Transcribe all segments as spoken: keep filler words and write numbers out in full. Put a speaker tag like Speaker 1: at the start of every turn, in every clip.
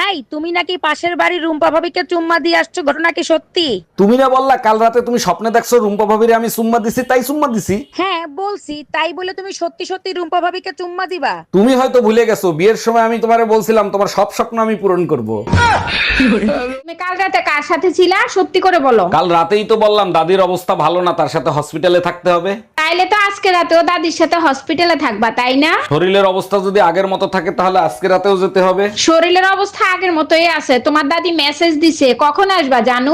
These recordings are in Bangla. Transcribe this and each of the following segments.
Speaker 1: এই তুমি নাকি পাশের বাড়ির রুম্পা ভাবিকে চুম্মা দিয়ে আসছো, ঘটনা কি সত্যি?
Speaker 2: তুমি না বললা কাল রাতে তুমি স্বপ্নে দেখছো রুম্পা ভাবিরে আমি সুম্মা দিছি, তাই সুম্মা দিছি।
Speaker 1: হ্যাঁ বলছি, তাই বলে তুমি সত্যি সত্যি রুম্পা ভাবিকে চুম্মা দিবা?
Speaker 2: তুমি হয়তো ভুলে গেছো বিয়ের সময় আমি তোমারে বলছিলাম তোমার সব স্বপ্ন আমি পূরণ করব।
Speaker 3: তুমি কাল রাতে কার সাথে ছিলা সত্যি করে বলো।
Speaker 2: কাল রাতেই তো বললাম দাদির অবস্থা ভালো না, তার সাথে হসপিটালে থাকতে হবে।
Speaker 3: তাইলে তো আজকে রাতেও দাদির সাথে হসপিটালে থাকবা, তাই না?
Speaker 2: শরীরের অবস্থা যদি আগের মতো থাকে তাহলে আজকে রাতেও যেতে হবে।
Speaker 3: শরীরের অবস্থা আগের মতোই আছে। তোমার দাদি মেসেজ দিছে, কখন আসবা জানু?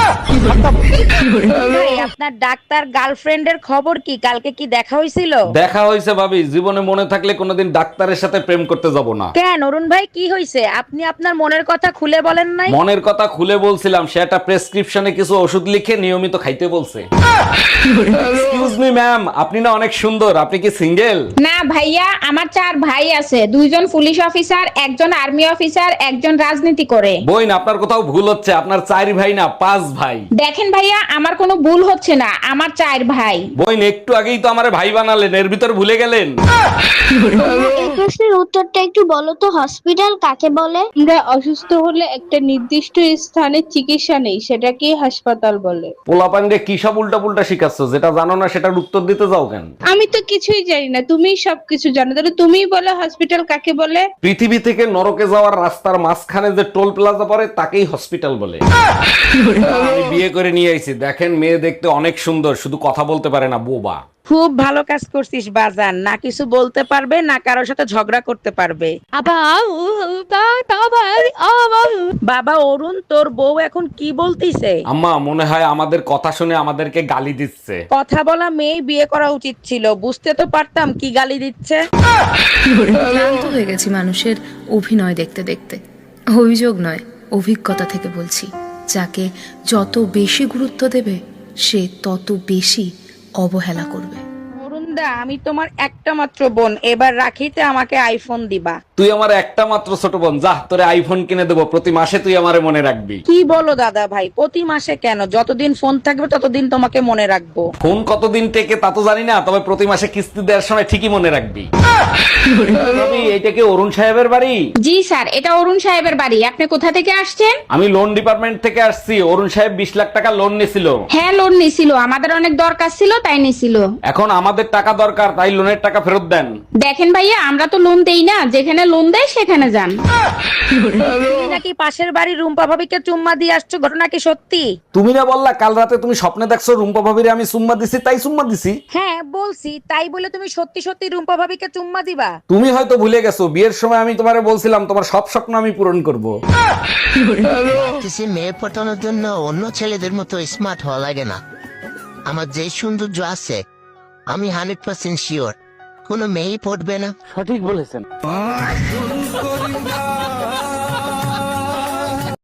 Speaker 1: ভাই, আপনার ডাক্তার গার্লফ্রেন্ডের খবর কি? কালকে কি দেখা হয়েছিল?
Speaker 2: দেখা হয়েছে ভাবি, জীবনে মনে থাকলে কোনোদিন ডাক্তারের সাথে প্রেম করতে যাব না।
Speaker 1: কেন অরুণ ভাই, কি হয়েছে? আপনি আপনার মনের কথা খুলে বলেন নাই?
Speaker 2: মনের কথা খুলে বলছিলাম, সে একটা প্রেসক্রিপশনে কিছু ওষুধ লিখে নিয়মিত খাইতে বলছে। এক্সকিউজ মি ম্যাম, আপনি না অনেক সুন্দর, আপনি কি সিঙ্গেল?
Speaker 3: না ভাইয়া, আমার চার ভাই আছে। দুইজন পুলিশ অফিসার, একজন আর্মি অফিসার, একজন রাজনীতি করে।
Speaker 2: বইন, আপনার কোথাও ভুল হচ্ছে, আপনার চার ভাই না পাঁচ ভাই।
Speaker 3: দেখেন ভাইয়া, আমার কোনো ভুল হচ্ছে না, আমার চার ভাই।
Speaker 2: বইন, একটু আগেই তো আমারে ভাই বানালেন, এর ভিতর ভুলে গেলেন।
Speaker 4: এই প্রশ্নের উত্তরটা একটু বলো তো, হসপিটাল কাকে বলে?
Speaker 5: আমরা অসুস্থ হলে একটা নির্দিষ্ট স্থানে চিকিৎসা নেই, সেটাকে হাসপাতাল বলে।
Speaker 2: পোলাপান্ডে কি সব উল্টা পুল্টা শিখাচ্ছ, যেটা জানো না সেটার উত্তর দিতে যাও কেন?
Speaker 5: আমি তো কিছুই জানি না, তুমিই সবকিছু জানো, তাহলে তুমিই বলো হসপিটাল কাকে বলে।
Speaker 2: পৃথিবী থেকে নরকে যাওয়ার রাস্তার মাঝখানে যে টোল প্লাজা পড়ে তাকেই হসপিটাল বলে। আমি বিয়ে করে নিয়ে আইছি, দেখেন মেয়ে দেখতে অনেক সুন্দর, শুধু কথা বলতে পারে না, বোবা।
Speaker 1: খুব ভালো কাজ করছিস বাজান, না কিছু বলতে পারবে না কারোর সাথে ঝগড়া করতে পারবে। বাবা অরুণ, তোর বউ এখন কি বলতিছে?
Speaker 2: আম্মা, মনে হয় আমাদের কথা শুনে আমাদেরকে গালি দিচ্ছে।
Speaker 1: কথা বলা মেয়ে বিয়ে করা উচিত ছিল, বুঝতে তো পারতাম কি গালি দিচ্ছে।
Speaker 6: ক্লান্ত হয়ে গেছি মানুষের অভিনয় দেখতে দেখতে। অভিযোগ নয়, অভিজ্ঞতা থেকে বলছি, যাকে যত বেশি গুরুত্ব দেবে সে তত বেশি অবহেলা করবে।
Speaker 1: অরুণদা, আমি তোমার একটা মাত্র বোন, এবার রাখিতে আমাকে আইফোন দিবা।
Speaker 2: তুই আমার একটা মাত্র ছোট বোন, যা তোরে আইফোন কিনে দেবো, প্রতি মাসে তুই আমারে মনে রাখবি।
Speaker 1: কি বলো দাদা ভাই, প্রতি মাসে কেন? যতদিন ফোন থাকবে ততদিন তোমাকে মনে রাখবো।
Speaker 2: ফোন কতদিন টেকে তা তো জানি না, তবে প্রতি মাসে কিস্তি দেওয়ার সময় ঠিকই মনে রাখবি। ভাবি, এইটা কি অরুণ সাহেবের বাড়ি?
Speaker 3: জি স্যার, এটা অরুণ সাহেবের বাড়ি। আপনি কোথা থেকে আসছেন?
Speaker 2: আমি লোন ডিপার্টমেন্ট থেকে আসছি। অরুণ সাহেব বিশ লাখ টাকা লোন নিছিল।
Speaker 3: হ্যাঁ, লোন নিছিল, আমাদের অনেক দরকার ছিল তাই নিছিল।
Speaker 2: এখন আমাদের টাকা দরকার, তাই লোনের টাকা ফেরত দেন।
Speaker 3: দেখেন ভাইয়া, আমরা তো লোন দেই না, যেখানে লোন দেয় সেখানে যান।
Speaker 1: তুমি নাকি পাশের বাড়ির রুম্পা ভাবিকে চুম্মা দিয়ে আসছো, ঘটনা কি সত্যি?
Speaker 2: তুমি না বললা কাল রাতে তুমি স্বপ্নে দেখছো রুম্পা ভাবিরে আমি সুম্মা দিছি, তাই সুম্মা দিছি।
Speaker 1: হ্যাঁ বলছি, তাই বলে তুমি সত্যি সত্যি রুম্পা ভাবিকে চুম্মা দিবা?
Speaker 2: তুমি হয়তো ভুলে গেছো বিয়ের সময় আমি তোমারে বলছিলাম তোমার সব স্বপ্ন আমি পূরণ করব।
Speaker 7: কিছু মেয়ে পটানোর জন্য অন্য ছেলেদের মতো স্মার্ট হওয়া লাগে না। আমার যে সৌন্দর্য আছে, আমি হান্ড্রেড পার্সেন্ট শিওর কোনো মেয়েই পড়বে না।
Speaker 2: সঠিক বলেছেন।